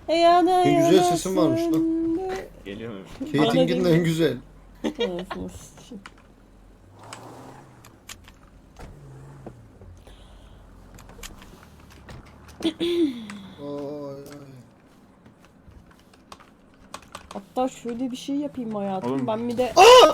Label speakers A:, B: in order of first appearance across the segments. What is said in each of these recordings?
A: Yana
B: Ne güzel
A: yana
B: sesin varmış lan.
A: söndü.
C: Geliyor mu?
B: Kate'in en güzel.
A: Anasını s**eyim.
B: Ay, ay.
A: Hatta şöyle bir şey yapayım hayatım.
D: Oğlum.
A: Ben bir de...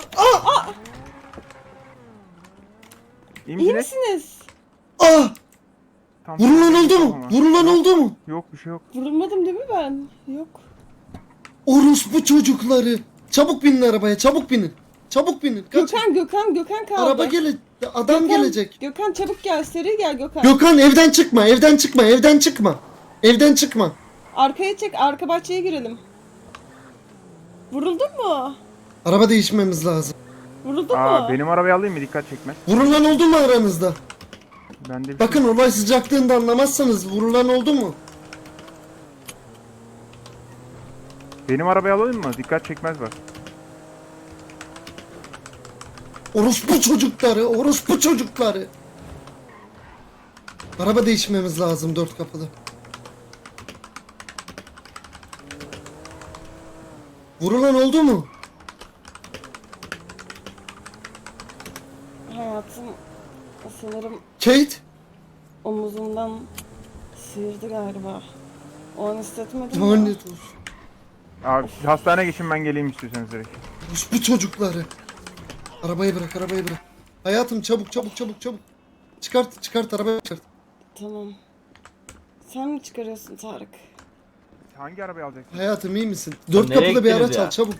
D: İyi
A: İyi
D: misiniz?
A: misiniz?
B: Ah!
D: Tam
B: Vurulan oldu mu?
D: Ama.
B: Vurulan
D: Yok,
B: oldu mu?
D: Yok bir şey yok.
A: Vurulmadım değil mi ben? Yok.
B: Orospu çocukları. Çabuk binin arabaya, çabuk binin. Çabuk binin. Kaç.
A: Gökhan kaldı.
B: Araba adam
A: Gökhan,
B: gelecek.
A: Gökhan çabuk gel, seri gel Gökhan.
B: Gökhan evden çıkma, evden çıkma, evden çıkma. Evden çıkma.
A: Arkaya çek, arka bahçeye girelim. Vuruldun mu?
B: Araba değişmemiz lazım.
A: Vuruldun
D: Aa
A: mu?
D: benim arabayı alayım mı? Dikkat çekmez.
B: Vurulan oldu mu aranızda?
D: Ben de bir
B: Bakın olay sıcaklığında anlamazsanız vurulan oldu mu?
D: Benim arabayı alayım mı? Dikkat çekmez bak.
B: Orospu çocukları, orospu çocukları. Araba değişmemiz lazım 4 kapılı. Vurulan oldu mu?
A: Hayatım sanırım
B: Kate?
A: omuzumdan sıyırdı galiba. O an hissetmedim ya.
B: Lanet olsun.
D: Abi hastaneye geçin, ben geleyim istiyorsanız direkt.
B: Orospu çocukları. Arabayı bırak, arabayı bırak. Hayatım çabuk. Çıkart arabayı çıkart.
A: Tamam. Sen mi çıkarıyorsun Tarık?
D: Hangi arabayı alacaksın?
B: Hayatım iyi misin? 4
C: Nereye
B: kapılı bir
C: gittiniz
B: araç
C: ya?
B: al çabuk.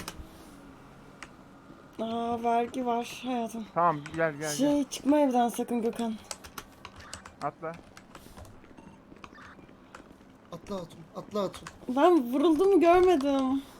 A: Aa vergi var hayatım.
D: Tamam gel.
A: Çıkma evden sakın Gökhan.
D: Atla.
B: Atla Hatun.
A: Ben vurulduğumu görmedim.